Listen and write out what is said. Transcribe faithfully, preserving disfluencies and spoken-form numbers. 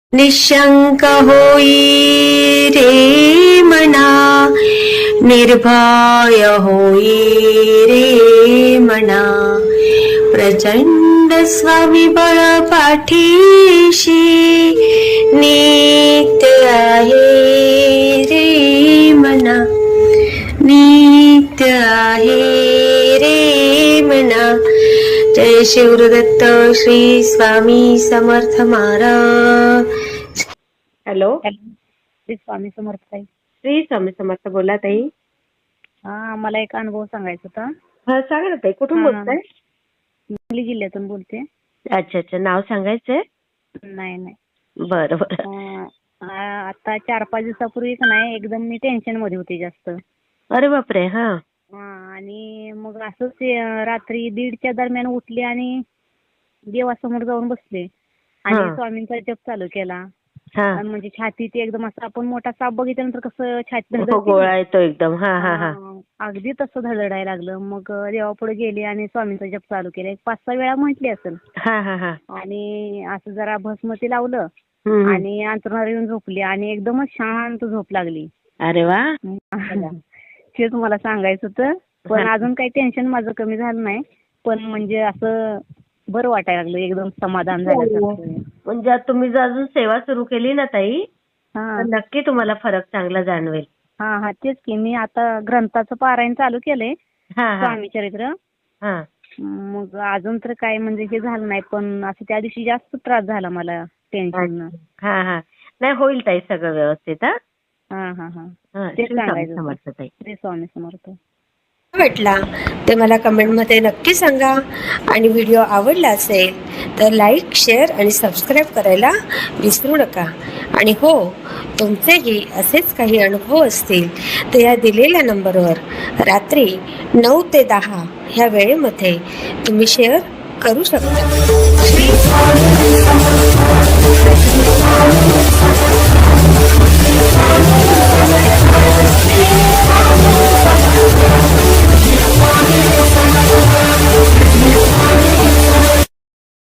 निशंक होई रे मना, निर्भय होई रे मना, प्रचंड स्वामीबळ पाठीशी नित्य आहे रे मना, नित्य आहे रे मना. जय शिवदत्त श्री स्वामी समर्थ महाराज. हॅलो, श्री स्वामी समर्थ ताई. श्री स्वामी समर्थ. बोला ताई. हा, मला एक अनुभव सांगायचा होता. हा, सांगा ना ताई. कुठून हा. बोलताय? सांगली जिल्ह्यातून बोलते. अच्छा अच्छा. नाव सांगायचंय? नाही नाही. बरं बरं. अं, आ- आता चार पाच दिवसापूर्वी का नाही एकदम मी टेन्शन मध्ये होते जास्त. अरे बापरे. हा हा, आणि मग असंच अं, रात्री दीडच्या दरम्यान उठले आणि देवासमोर जाऊन बसले आणि हा. स्वामींचा जप चालू केला. हा. आणि म्हणजे छातीत एकदम असं आपण मोठा साप बघितल्यानंतर कसं छाती हो, धडधडते गोळा ना, येतो एकदम. हा हा हा. हा, अगदी तसं धडधडायला लागलं. मग देवापुढे गेले आणि स्वामींचा जप चालू केला. एक पाच सहा वेळा म्हटली असेल. हा हा हा. आणि असं जरा भस्मती लावलं हम्म. आणि अंथरुणावर येऊन झोपली आणि एकदमच शांत झोप लागली. अरे वा. तेच मला सांगायचं होतं. पण हा. अजून काही टेन्शन माझं कमी झालं नाही. पण म्हणजे असं बरं वाटायला लागलं, एकदम समाधान झाल्यासारखं. म्हणजे आता तुम्ही जर अजून सेवा सुरू केली ना ताई, हा तर नक्की तुम्हाला फरक चांगला जाणवेल. हा हा, तेच की. मी आता ग्रंथाचं पारायण चालू केलंय, हा हा स्वामी चरित्र. हा. मग अजून तर काय म्हणजे हे झालं नाही, पण असं त्या दिवशी जास्त त्रास झाला मला टेन्शन. हा हा. नाही, होईल ताई सगळं व्यवस्थित. हा हा हा हा. हा. तेच श्री स्वामी सांगायचं होतं. समर्थ ताई. श्री स्वामी समर्थ. वाटला ते मला कमेंटमध्ये नक्की सांगा. आणि व्हिडिओ आवडला असेल तर लाईक, शेअर आणि सबस्क्राईब करायला विसरू नका. आणि हो, तुमचेही असेच काही अनुभव असतील तर या दिलेल्या नंबरवर रात्री नऊ ते दहा ह्या वेळेमध्ये तुम्ही शेअर करू शकता.